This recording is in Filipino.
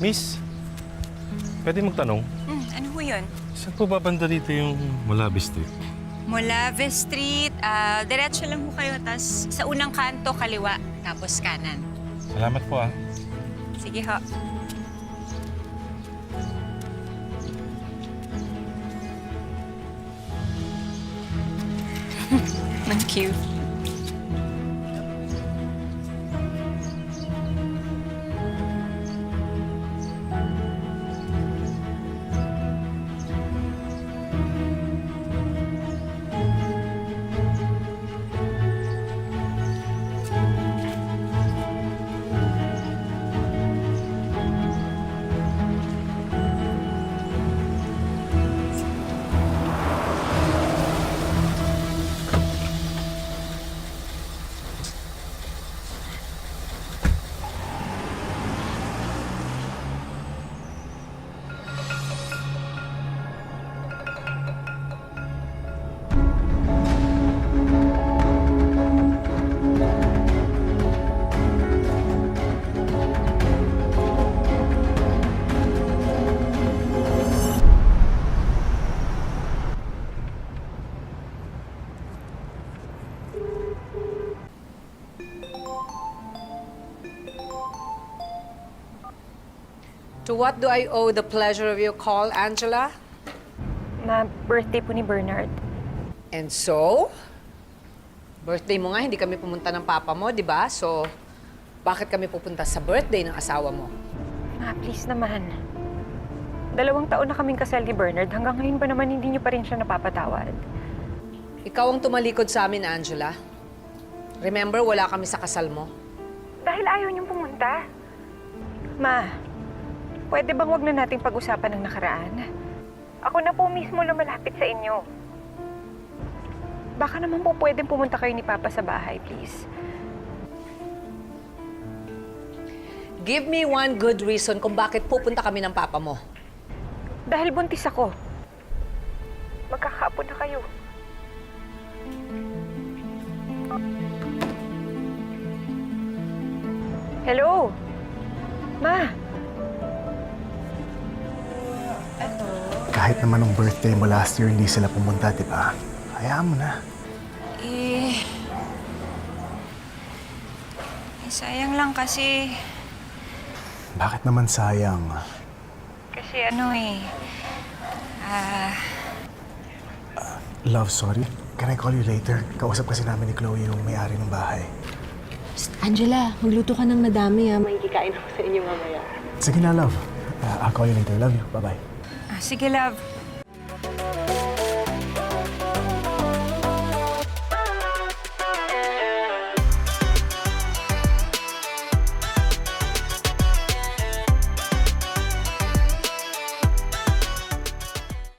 Miss, pwede magtanong? Ano ho yun? Saan po ba banda dito yung Molabe Street? Molave Street, diretso lang ho kayo, tas sa unang kanto, kaliwa, tapos kanan. Salamat po ah. Sige ho. Thank you. To what do I owe the pleasure of your call, Angela? Na birthday po ni Bernard. And so? Birthday mo nga, hindi kami pumunta ng papa mo, di ba? So, bakit kami pupunta sa birthday ng asawa mo? Ma, please naman. 2 taon na kaming kasal ni Bernard. Hanggang ngayon ba naman hindi niyo pa rin siya napapatawad? Ikaw ang tumalikod sa amin, Angela. Remember, wala kami sa kasal mo. Dahil ayaw niyong pumunta. Ma, pwede bang wag na nating pag-usapan ng nakaraan? Ako na po mismo lumalapit sa inyo. Baka naman po pwedeng pumunta kayo ni Papa sa bahay, please. Give me one good reason kung bakit pupunta kami ng papa mo. Dahil buntis ako. Magkakaapo na kayo. Hello? Ma? Kahit naman nung birthday mo last year, hindi sila pumunta, di ba? Hayaan mo na. Sayang lang kasi... Bakit naman sayang? Kasi ano Love, sorry. Can I call you later? Kausap kasi namin ni Chloe yung may-ari ng bahay. Angela, magluto ka ng madami ah. May kikain ako sa inyo mamaya. Sige na, love. I'll call you later. Love you. Bye-bye. sige, love.